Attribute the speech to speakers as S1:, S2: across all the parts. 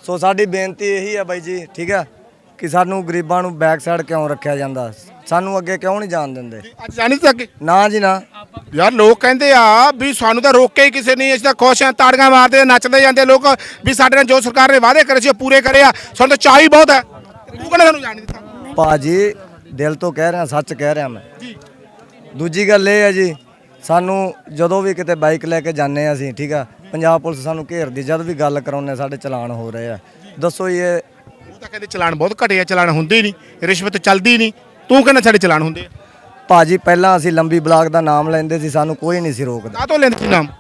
S1: ਸੋ ਸਾਡੀ ਬੇਨਤੀ ਇਹੀ ਹੈ ਬਾਈ ਜੀ, ਠੀਕ ਹੈ, ਕਿ ਸਾਨੂੰ ਗਰੀਬਾਂ ਨੂੰ ਬੈਕ ਸਾਈਡ ਕਿਉਂ ਰੱਖਿਆ ਜਾਂਦਾ, ਸਾਨੂੰ ਅੱਗੇ ਕਿਉਂ ਨਹੀਂ ਜਾਣ ਦਿੰਦੇ।
S2: ਅੱਜ ਜਾਣੀ ਤਾਂ ਅੱਗੇ
S1: ਨਾ ਜੀ ਨਾ।
S2: ਯਾਰ ਲੋਕ ਕਹਿੰਦੇ ਆ ਵੀ ਸਾਨੂੰ ਤਾਂ ਰੋਕਿਆ ਹੀ ਕਿਸੇ ਨੇ, ਅਸੀਂ ਤਾਂ ਖੁਸ਼ ਆ, ਤਾੜੀਆਂ ਮਾਰਦੇ ਨੱਚਦੇ ਜਾਂਦੇ ਲੋਕ ਵੀ ਸਾਡੇ ਨਾਲ ਜੋ ਸਰਕਾਰ ਨੇ ਵਾਅਦੇ ਕਰੇ ਸੀ ਉਹ ਪੂਰੇ ਕਰੇ ਆ, ਸਾਨੂੰ ਤਾਂ ਚਾਹ ਹੀ ਬਹੁਤ ਹੈ। ਤੂੰ ਕਹਿੰਦਾ ਸਾਨੂੰ ਜਾਣ ਨਹੀਂ ਦਿੱਤਾ।
S1: ਭਾਜੀ ਦਿਲ ਤੋਂ ਕਹਿ ਰਿਹਾ, ਸੱਚ ਕਹਿ ਰਿਹਾ ਮੈਂ। ਦੂਜੀ ਗੱਲ ਇਹ ਹੈ ਜੀ, ਸਾਨੂੰ ਜਦੋਂ ਵੀ ਕਿਤੇ ਬਾਈਕ ਲੈ ਕੇ ਜਾਂਦੇ ਆ ਅਸੀਂ, ਠੀਕ ਆ, ਪੰਜਾਬ ਪੁਲਿਸ ਸਾਨੂੰ ਘੇਰਦੀ, ਜਦ ਵੀ ਗੱਲ ਕਰਾਉਂਦੇ ਸਾਡੇ ਚਲਾਨ ਹੋ ਰਹੇ ਆ। ਦੱਸੋ ਜੀ ਇਹ
S2: ਉਹ ਤਾਂ ਕਹਿੰਦੇ ਚਲਾਨ ਬਹੁਤ ਘਟੇ ਆ, ਚਲਾਨ ਹੁੰਦੇ ਹੀ ਨਹੀਂ, ਰਿਸ਼ਵਤ ਚੱਲਦੀ ਨਹੀਂ, ਤੂੰ ਕਹਿੰਦਾ ਸਾਡੇ ਚਲਾਨ ਹੁੰਦੇ ਆ।
S1: ਭਾਜੀ ਪਹਿਲਾਂ ਅਸੀਂ ਲੰਬੀ ਬਲਾਕ ਦਾ ਨਾਮ ਲੈਂਦੇ ਸੀ, ਸਾਨੂੰ ਕੋਈ ਨਹੀਂ ਸੀ ਰੋਕਦਾ।
S2: ਕਾਹ ਤੋਂ ਲੈਂਦੇ ਸੀ ਨਾਮ?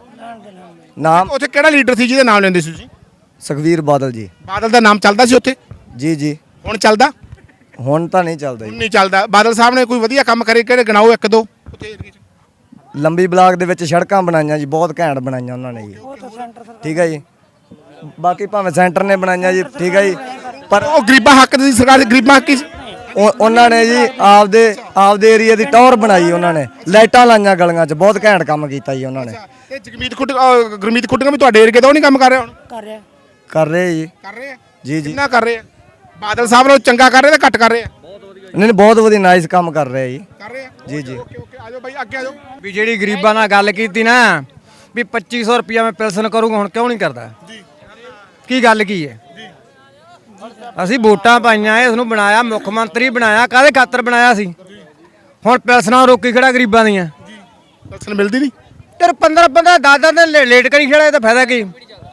S1: ਨਾਮ
S2: ਉੱਥੇ ਕਿਹੜਾ ਲੀਡਰ ਸੀ ਜਿਹਦੇ ਨਾਮ ਲੈਂਦੇ ਸੀ ਤੁਸੀਂ?
S1: ਸੁਖਬੀਰ ਬਾਦਲ ਜੀ।
S2: ਬਾਦਲ ਦਾ ਨਾਮ ਚੱਲਦਾ ਸੀ ਉੱਥੇ?
S1: ਜੀ ਜੀ।
S2: ਹੁਣ ਚੱਲਦਾ?
S1: ਹੁਣ ਤਾਂ ਨਹੀਂ ਚੱਲਦਾ
S2: ਹੁਣ
S1: ਜੀ।
S2: ਨਹੀਂ ਚੱਲਦਾ। ਬਾਦਲ ਸਾਹਿਬ ਨੇ ਕੋਈ ਵਧੀਆ ਕੰਮ ਕਰੇ ਕਿਹੜੇ ਗਿਣਾਓ ਇੱਕ ਦੋ ਉੱਥੇ ਏਰੀਏ 'ਚ?
S1: ਲੰਬੀ ਬਲਾਕ ਦੇ ਵਿੱਚ ਸੜਕਾਂ ਬਣਾਈਆਂ ਜੀ, ਬਹੁਤ ਘੈਂਟ ਬਣਾਈਆਂ ਉਹਨਾਂ ਨੇ ਜੀ, ਠੀਕ ਹੈ ਜੀ। ਬਾਕੀ ਭਾਵੇਂ ਸੈਂਟਰ ਨੇ ਬਣਾਈਆਂ ਜੀ, ਠੀਕ ਹੈ ਜੀ, ਪਰ
S2: ਉਹ ਗਰੀਬਾਂ ਹੱਕ ਦੀ ਸਰਕਾਰ, ਗਰੀਬਾਂ ਹੱਕ ਹੀ ਸੀ।
S1: ਉਹਨਾਂ ਨੇ ਜੀ ਆਪਦੇ ਏਰੀਆ ਦੀ ਟੌਰ ਬਣਾਈ, ਉਹਨਾਂ ਨੇ ਲਾਈਟਾਂ ਲਾਈਆਂ ਗਲੀਆਂ 'ਚ, ਬਹੁਤ ਘੈਂਟ ਕੰਮ ਕੀਤਾ ਜੀ ਉਹਨਾਂ ਨੇ।
S2: ਤੇ ਗੁਰਮੀਤ ਖੁੱਟੀਆਂ ਵੀ ਤੁਹਾਡੇ ਏਰੀਏ ਦਾ ਉਹ ਨਹੀਂ ਕੰਮ ਕਰ ਰਿਹਾ ਹੁਣ?
S1: ਕਰ ਰਹੇ ਜੀ।
S2: ਕਰ ਰਹੇ ਆ
S1: ਜੀ ਜੀ।
S2: ਕਿੰਨਾ ਕਰ ਰਹੇ ਆ? ਬਾਦਲ ਸਾਹਿਬ ਨੂੰ ਚੰਗਾ ਕਰ ਰਹੇ ਤਾਂ ਘੱਟ ਕਰ ਰਹੇ ਆ?
S1: ਨਹੀਂ ਬਹੁਤ ਵਧੀਆ ਨਾਈਸ ਕੰਮ ਕਰ ਰਹੇ ਜੀ।
S2: ਕਰ ਰਹੇ ਆ
S1: ਜੀ ਜੀ।
S2: ਓਕੇ ਓਕੇ, ਆਜੋ ਬਾਈ ਅੱਗੇ ਆਜੋ।
S3: ਵੀ ਜਿਹੜੀ ਗਰੀਬਾਂ ਨਾਲ ਗੱਲ ਕੀਤੀ ਨਾ ਵੀ 2500 ਰੁਪਇਆ ਮੈਂ ਪੈਨਸ਼ਨ ਕਰੂੰਗਾ, ਹੁਣ ਕਿਉਂ ਨਹੀਂ ਕਰਦਾ? ਕੀ ਗੱਲ ਕੀ ਹੈ? ਅਸੀਂ ਵੋਟਾਂ ਪਾਈਆਂ, ਇਸ ਨੂੰ ਬਣਾਇਆ, ਮੁੱਖ ਮੰਤਰੀ ਬਣਾਇਆ, ਕਾਹਦੇ ਖਾਤਰ ਬਣਾਇਆ ਸੀ? ਹੁਣ ਪੈਨਸ਼ਨਾਂ ਰੋਕੀ ਖੜਾ ਗਰੀਬਾਂ ਦੀਆਂ।
S2: ਪੈਨਸ਼ਨ ਮਿਲਦੀ ਨਹੀਂ?
S3: ਤੇ 15 10 ਦਿਨ ਲੇਟ ਕਰੀ ਖੜਾ, ਤਾਂ ਫਾਇਦਾ ਕੀ?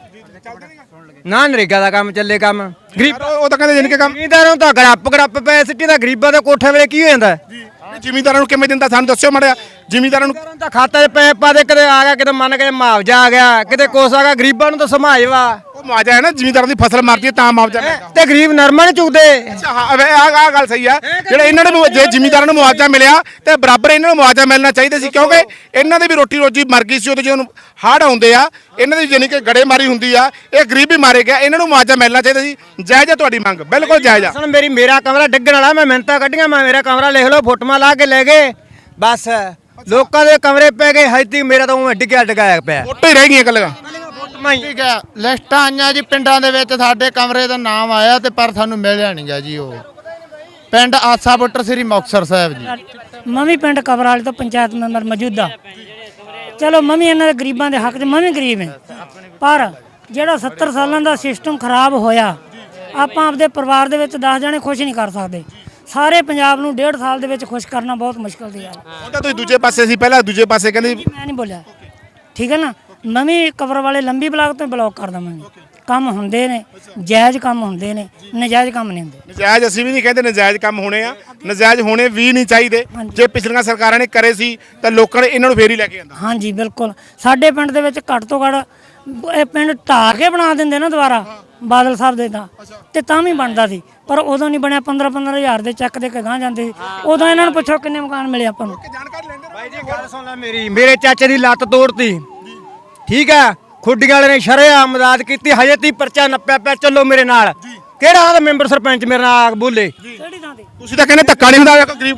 S3: ਨਾ ਨਰੇਗਾ ਦਾ ਕੰਮ ਚੱਲੇ, ਕੰਮ ਗਰੀਬ
S2: ਉਹ ਤਾਂ ਕਹਿੰਦੇ ਜਿੰਨ ਕੇ ਕੰਮ
S3: ਜ਼ਿਮੀਂਦਾਰਾਂ ਨੂੰ ਤਾਂ ਗੜੱਪ ਪੈ ਸਿੱਟੀ ਦਾ, ਗਰੀਬਾਂ ਦੇ ਕੋਠੇ ਵੇਲੇ ਕੀ ਹੋ ਜਾਂਦਾ?
S2: ਜ਼ਿਮੀਂਦਾਰਾਂ ਨੂੰ ਕਿਵੇਂ ਦਿੰਦਾ ਸਾਨੂੰ ਦੱਸਿਓ ਮਾੜਾ। ਜ਼ਿਮੀਂਦਾਰਾਂ ਨੂੰ
S3: ਤਾਂ ਖਾਤੇ 'ਚ ਪੈ ਪਾ ਦੇ, ਕਦੇ ਆ ਗਿਆ, ਕਿਤੇ ਮੰਨ ਕੇ ਮੁਆਵਜ਼ਾ ਆ ਗਿਆ, ਕਿਤੇ ਕੁਛ ਆ ਗਿਆ, ਗਰੀਬਾਂ ਨੂੰ ਤਾਂ ਸਮਾਜ ਵਾ।
S2: ਉਹ ਮੁਆਵਜ਼ਾ ਹੈ ਨਾ, ਜ਼ਿਮੀਂਦਾਰਾਂ ਦੀ ਫਸਲ ਮਰਦੀ ਹੈ ਤਾਂ ਮੁਆਵਜ਼ਾ ਮਿਲਦਾ।
S3: ਤੇ ਗਰੀਬ ਨਰਮਾ ਨਹੀਂ ਚੁਗਦੇ।
S2: ਅੱਛਾ ਹਾਂ, ਆਹ ਗੱਲ ਸਹੀ ਆ। ਜਿਹੜਾ ਇਹਨਾਂ ਨੂੰ ਜੇ ਜ਼ਿਮੀਂਦਾਰਾਂ ਨੂੰ ਮੁਆਵਜ਼ਾ ਮਿਲਿਆ ਤੇ ਬਰਾਬਰ ਇਹਨਾਂ ਨੂੰ ਮੁਆਵਜ਼ਾ ਮਿਲਣਾ ਚਾਹੀਦਾ ਸੀ, ਕਿਉਂਕਿ ਇਹਨਾਂ ਦੀ ਵੀ ਰੋਟੀ ਰੋਜੀ ਮਰ ਗਈ ਸੀ ਉਦੋਂ ਜਦੋਂ ਹੜ੍ਹ ਆਉਂਦੇ ਆ, ਇਹਨਾਂ ਦੀ ਜਾਨੀ ਕਿ ਗੜੇਮਾਰੀ ਹੁੰਦੀ ਆ, ਇਹ ਗਰੀਬ ਵੀ ਮਾਰੇ ਗਿਆ, ਇਹਨਾਂ ਨੂੰ ਮੁਆਵਜ਼ਾ ਮਿਲਣਾ ਚਾਹੀਦਾ ਸੀ। ਜਾਇਜ਼ ਆ ਤੁਹਾਡੀ ਮੰਗ, ਬਿਲਕੁਲ ਜਾਇਜ਼ ਆ।
S3: ਸੁਣ ਮੇਰਾ ਕਮਰਾ ਡਿੱਗਣ ਵਾਲਾ, ਮੈਂ ਮਿਹਨਤਾਂ ਕੱਢੀਆਂ, ਮੈਂ ਮੇਰਾ ਕਮਰਾ ਲਿਖ ਲਓ, ਫੋਟੋਆਂ ਲਾ ਕੇ ਲੈ ਗਏ, ਬਸ ਲੋਕਾਂ ਦੇ ਕਮਰੇ ਪੈ ਗਏ, ਹਜੇ ਤੱਕ ਮੇਰਾ ਤਾਂ ਉਹ ਡਿੱਗਿਆ ਪਿਆ।
S2: ਫੋਟੋ ਹੀ ਰਹਿ ਗਈਆਂ ਕੱਲੀਆਂ।
S4: ਠੀਕ ਹੈ, ਲਿਸਟਾਂ ਆਈਆਂ ਜੀ ਪਿੰਡਾਂ ਦੇ ਵਿੱਚ, ਸਾਡੇ ਕਮਰੇ ਦਾ ਨਾਮ ਆਇਆ ਤੇ ਪਰ ਸਾਨੂੰ ਮਿਲਿਆ ਨਹੀਂ ਗਾ ਜੀ। ਉਹ ਪਿੰਡ ਆਸਾ ਬੁੱਟਰ ਸ੍ਰੀ ਮੁਕਤਸਰ ਸਾਹਿਬ ਜੀ।
S5: ਮੈਂ ਪਿੰਡ ਕਬਰ ਵਾਲੇ ਤੋਂ ਪੰਚਾਇਤ ਮੈਂਬਰ ਮੌਜੂਦਾ। ਚਲੋ ਮੈਂ ਇਹਨਾਂ ਦੇ ਗਰੀਬਾਂ ਦੇ ਹੱਕ 'ਚ ਮੈਂ ਗਰੀਬ ਹਾਂ, ਪਰ ਜਿਹੜਾ 70 ਸਾਲਾਂ ਦਾ ਸਿਸਟਮ ਖਰਾਬ ਹੋਇਆ, ਆਪਾਂ ਆਪਦੇ ਪਰਿਵਾਰ ਦੇ ਵਿੱਚ 10 ਜਣੇ ਖੁਸ਼ ਨਹੀਂ ਕਰ ਸਕਦੇ। ਸਾਰੇ ਪੰਜਾਬ ਨੂੰ 1.5 ਸਾਲ ਦੇ ਵਿੱਚ ਖੁਸ਼ ਕਰਨਾ ਬਹੁਤ ਮੁਸ਼ਕਲ ਦੀ ਗੱਲ।
S2: ਉਹ ਤਾਂ ਤੁਸੀਂ ਦੂਜੇ ਪਾਸੇ ਸੀ, ਪਹਿਲਾਂ ਦੂਜੇ ਪਾਸੇ ਕਹਿੰਦੇ
S5: ਮੈਂ ਨਹੀਂ ਬੋਲਿਆ, ਠੀਕ ਹੈ ਨਾ। ਮੈਂ ਵੀ ਕਬਰ ਵਾਲੇ ਲੰਬੀ ਬਲਾਕ ਤੋਂ ਬਲੌਕ ਕਰਦਾ। ਮੈਂ ਕੰਮ ਹੁੰਦੇ ਨੇ, ਜਾਇਜ਼ ਕੰਮ ਹੁੰਦੇ ਨੇ, ਨਜਾਇਜ਼ ਕੰਮ ਨਹੀਂ ਹੁੰਦੇ।
S2: ਨਜਾਇਜ਼ ਅਸੀਂ ਵੀ ਨਹੀਂ ਕਹਿੰਦੇ ਨਜਾਇਜ਼ ਕੰਮ ਹੋਣੇ ਆ, ਨਜਾਇਜ਼ ਹੋਣੇ ਵੀ ਨਹੀਂ ਚਾਹੀਦੇ। ਜੇ ਪਿਛਲੀਆਂ ਸਰਕਾਰਾਂ ਨੇ ਕਰੇ ਸੀ ਤਾਂ ਲੋਕਾਂ ਨੇ ਇਹਨਾਂ ਨੂੰ ਫੇਰ ਹੀ ਲੈ ਕੇ ਆਂਦਾ।
S5: ਹਾਂਜੀ ਬਿਲਕੁਲ। ਸਾਡੇ ਪਿੰਡ ਦੇ ਵਿੱਚ ਘੱਟ ਤੋਂ ਘੱਟ ਇਹ ਪਿੰਡ ਢਾਹ ਕੇ ਬਣਾ ਦਿੰਦੇ ਨਾ ਦੁਬਾਰਾ ਬਾਦਲ ਸਾਹਿਬ ਦੇ ਤਾਂ ਤਾਂ ਵੀ ਬਣਦਾ ਸੀ, ਪਰ ਉਦੋਂ ਨਹੀਂ ਬਣਿਆ। 15 ਹਜ਼ਾਰ ਦੇ ਚੱਕ ਦੇ ਕੇ ਗਾਂ ਜਾਂਦੇ ਸੀ। ਉਦੋਂ ਇਹਨਾਂ ਨੂੰ ਪੁੱਛੋ ਕਿੰਨੇ ਮਕਾਨ ਮਿਲੇ ਆਪਾਂ ਨੂੰ।
S3: ਬਾਈ ਜੀ ਗੱਲ ਸੁਣ ਲੈ ਮੇਰੀ, ਮੇਰੇ ਚਾਚੇ ਦੀ ਲੱਤ ਤੋੜਤੀ, ਠੀਕ ਆ, ਖੁੱਡੀਆਂ ਵਾਲੇ ਨੇ ਸ਼ਰੇਆਮ ਮਦਦ ਕੀਤੀ, ਹਜੇ ਤੀ ਪਰਚਾ ਨੱਪਿਆ ਪਿਆ। ਚੱਲੋ ਮੇਰੇ ਨਾਲ, ਕਿਹੜਾ ਆਦਾ ਮੈਂਬਰ ਸਰਪੰਚ ਮੇਰੇ ਨਾਲ ਬੋਲੇ।
S5: ਕਿਹੜੀ ਥਾਂ ਤੇ?
S2: ਤੁਸੀਂ ਤਾਂ ਕਹਿੰਦੇ ਧੱਕਾ ਨਹੀਂ ਹੁੰਦਾ ਗਰੀਬ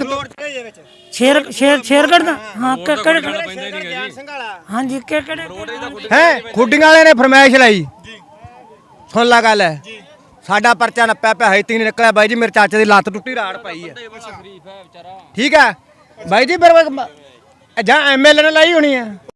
S5: ਸ਼ੇਰਗੜ੍ਹ ਦਾ? ਹਾਂ ਹਾਂਜੀ ਕਿਹੜੇ
S3: ਹੈ ਖੁੱਡੀਆਂ ਵਾਲੇ ਨੇ ਫਰਮਾਇਸ਼ ਲਾਈ, ਸੁਣ ਲਾ ਗੱਲ ਹੈ, ਸਾਡਾ ਪਰਚਾ ਨੱਪਿਆ ਪਿਆ, ਹਜੇ ਤੀ ਨਹੀਂ ਨਿਕਲਿਆ। ਬਾਈ ਜੀ ਮੇਰੇ ਚਾਚੇ ਦੀ ਲੱਤ ਟੁੱਟੀ, ਰਾੜ ਪਾਈ ਹੈ, ਠੀਕ ਹੈ ਬਾਈ ਜੀ। ਫਿਰ ਜਾਂ ਐਮਐਲਏ ਨੇ ਲਾਈ ਹੋਣੀ ਹੈ।